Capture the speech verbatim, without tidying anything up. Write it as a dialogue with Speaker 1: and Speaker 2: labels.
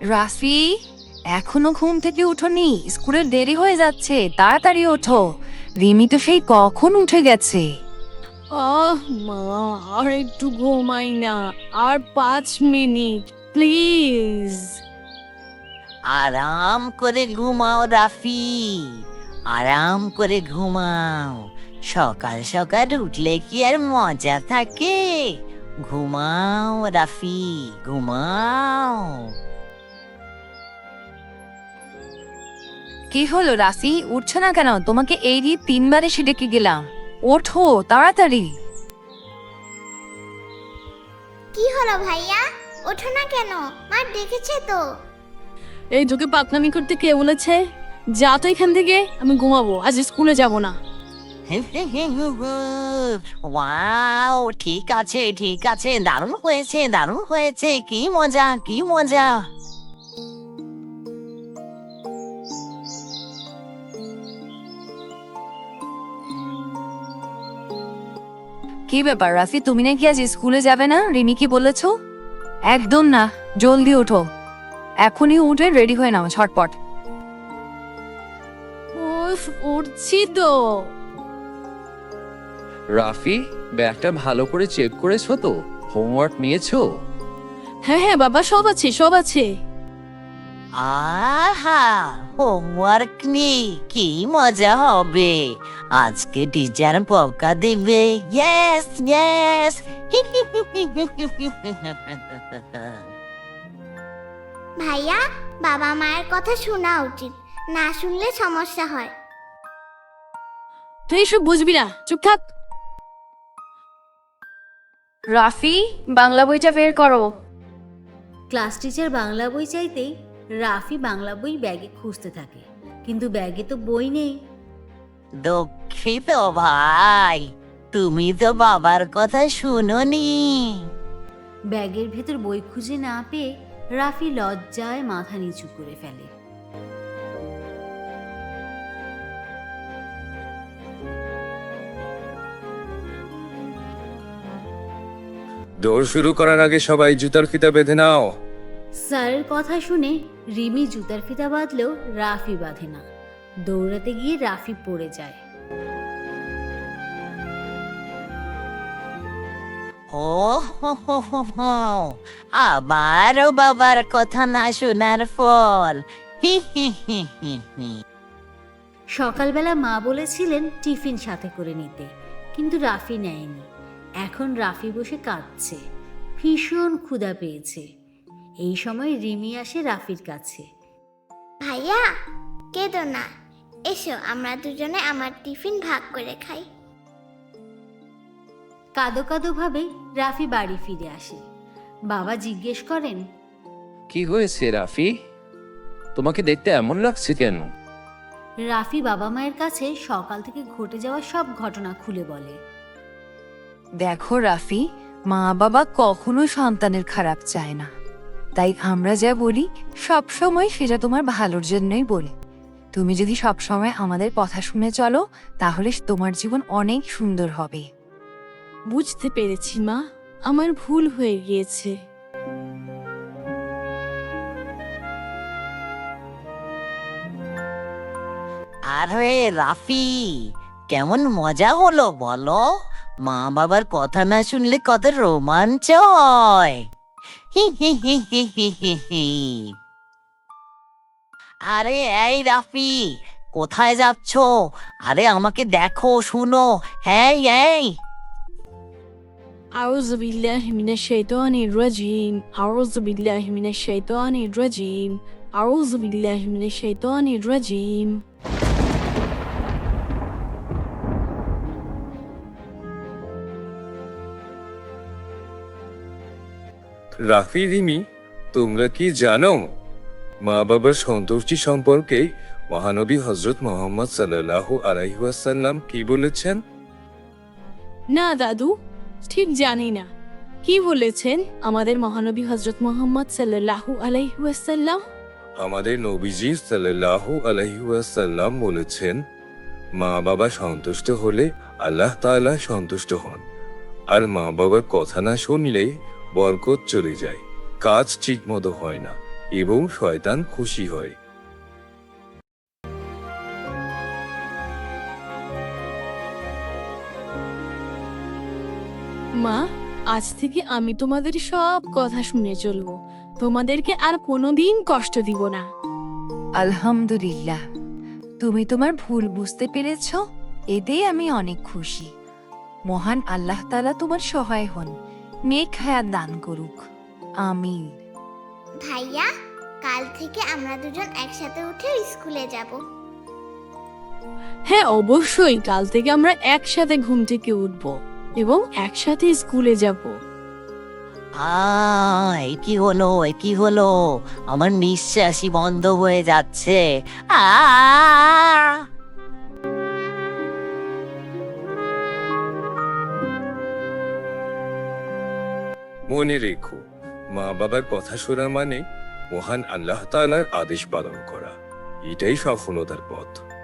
Speaker 1: রাফি, এখনো ঘুম থেকে উঠোনি? স্কুলের দেরি হয়ে যাচ্ছে, তাড়াতাড়ি ওঠো। রিমি তো সেই কখন উঠে গেছে।
Speaker 2: আহ মা, আর একটু ঘুমাই না, আর পাঁচ মিনিট প্লিজ।
Speaker 3: আরাম করে ঘুমাও রাফি, আরাম করে ঘুমাও। সকাল সকাল উঠলে কি আর মজা থাকে? ঘুমাও রাফি, ঘুমাও।
Speaker 1: কি হলো রাফি, উঠছো না কেন? তোমাকে এই দিয়ে তিনবার এসে ডেকে গেলাম। ওঠো তাড়াতাড়ি।
Speaker 4: কি হলো ভাইয়া, ওঠো না কেন? মা ডেকেছে তো।
Speaker 2: এই তোকে পাকনামি করতে কে বলেছে? যা তো এখান থেকে, আমি ঘুমাবো, আজ স্কুলে যাব না।
Speaker 3: ওয়াও, ঠিক আছে ঠিক আছে, দারুণ হয়েছে দারুণ হয়েছে, কি মজা কি মজা।
Speaker 1: কি ব্যাপার রাফি, তুমি নাকি আজ স্কুলে যাবে না? রিমি কি বলেছো? একদম না, জলদি ওঠো, এখনই উঠে রেডি হয়ে নাও ঝটপট।
Speaker 2: উফ, উঠছি তো।
Speaker 5: রাফি, ব্যাগটা ভালো করে চেক করেছো তো? হোমওয়ার্ক নিয়েছো?
Speaker 2: হ্যাঁ হ্যাঁ বাবা, সব আছে সব আছে।
Speaker 3: আহা, হোমওয়ার্ক নেই, কি মজা হবে। আজকে টিচার বকা দেবে। Yes yes.
Speaker 4: ভাইয়া, বাবা মায়ের কথা শোনা উচিত, না শুনলে সমস্যা হয়।
Speaker 2: তুই এসব বুঝবি না, চুপ থাক।
Speaker 1: রাফি, বাংলা বইটা বের করো।
Speaker 6: ক্লাস টিচার বাংলা বই চাইতেই রাফি বাংলা বই ব্যাগে খুঁজতে থাকে, কিন্তু ব্যাগে তো বই নেই।
Speaker 3: দুঃখিত ভাই, তুমি তো বাবার কথা শুনোনি।
Speaker 6: ব্যাগের ভেতর বই খুঁজে না পেয়ে রাফি লজ্জায় মাথা নিচু করে ফেলে।
Speaker 7: দৌড় শুরু করার আগে সবাই জুতার ফিতা বেঁধে নাও।
Speaker 6: স্যারের কথা শুনে রিমি জুতার ফিতা বাঁধলেও রাফি বাঁধে না। দৌড়াতে গিয়ে রাফি পড়ে যায়।
Speaker 3: ও হো হো হো হো, আবারও বাবার কথা না শোনার ফল। হি হি হি হি হি।
Speaker 6: সকালবেলা মা বলেছিলেন টিফিন সাথে করে নিতে, কিন্তু রাফি নেয়নি। এখন রাফি বসে কাঁদছে, ভীষণ ক্ষুধা পেয়েছে। এই সময় রিমি আসে রাফির কাছে।
Speaker 4: ভাইয়া, কেঁদো না, এসো আমরা দুজনে আমার টিফিন ভাগ করে খাই।
Speaker 6: কাঁদো কাঁদো ভাবে রাফি বাড়ি ফিরে আসে। বাবা জিজ্ঞেস করেন,
Speaker 5: কি হয়েছে রাফি? তোমাকে দেখতে এমন লাগছে কেন?
Speaker 6: রাফি বাবা মায়ের কাছে সকাল থেকে ঘটে যাওয়া সব ঘটনা খুলে বলে।
Speaker 1: দেখো রাফি, মা বাবা কখনো সন্তানের খারাপ চায় না, তাই আমরা যা বলি সব সময় সেটা তোমার ভালোর জন্যই বলি। তুমি যদি সব সময় আমাদের কথা শুনে চলো, তাহলে তোমার জীবন অনেক সুন্দর হবে।
Speaker 2: বুঝতে পেরেছি মা, আমার ভুল হয়ে গিয়েছে।
Speaker 3: আরে রাফি, কেমন মজা হলো বলো? মা বাবার কথা না শুনলে কত রোমাঞ্চ হয়। হি হি হি হি হি হি হি। আরে এই রাফি, কোথায় যাচ্ছো? আরে আমাকে দেখো, শুনো। হ্যাঁ এই।
Speaker 2: আউযু বিল্লাহি মিনাশ শাইতানির রাজিম, আউযু বিল্লাহি মিনাশ শাইতানির রাজিম, আউযু বিল্লাহি মিনাশ শাইতানির রাজিম।
Speaker 7: রাফি, রিমি, তোমরা কি জানো মা বাবার সন্তুষ্টি সম্পর্কে মহানবী হজরত মোহাম্মদ সাল্লাল্লাহু আলাইহি ওয়াসাল্লাম কি বলেছেন?
Speaker 2: না দাদু, ঠিক জানি না। কি বলেছেন আমাদের মহানবী হযরত মুহাম্মদ সাল্লাল্লাহু আলাইহি ওয়াসাল্লাম?
Speaker 7: আমাদের নবীজি সাল্লাল্লাহু আলাইহি ওয়াসাল্লাম বলেছেন, মা বাবা সন্তুষ্ট হলে আল্লাহ তাআলা সন্তুষ্ট হন, আর মা বাবার কথা না শুনলে বরকত চলে যায়, কাজ ঠিক মতো হয় না, এবং শয়তান খুশি হয়।
Speaker 2: মা, আজ থেকে আমি তোমাদের সব কথা শুনে চলবো। তোমাদেরকে আর কোনোদিন কষ্ট দিব না।
Speaker 1: আলহামদুলিল্লাহ, তুমি তোমার ভুল বুঝতে পেরেছ, এতেই আমি অনেক খুশি। মহান আল্লাহ তাআলা তোমার সহায় হন, নেক হায়াত দান করুক। আমিন।
Speaker 4: ভাইয়া, কাল থেকে আমরা দুজন একসাথে উঠে স্কুলে যাব।
Speaker 2: হ্যাঁ, অবশ্যই কাল থেকে আমরা একসাথে ঘুম থেকে উঠবো এবং একসাথে স্কুলে যাব।
Speaker 3: আহ এ কি হলো, এ কি হলো? আমার নিঃশ্বাসই বন্ধ হয়ে যাচ্ছে। আ
Speaker 7: মনে রেখো, মা বাবার কথা শোনা মানে মহান আল্লাহ তাআলার আদেশ পালন করা। এটাই সফলতার পথ।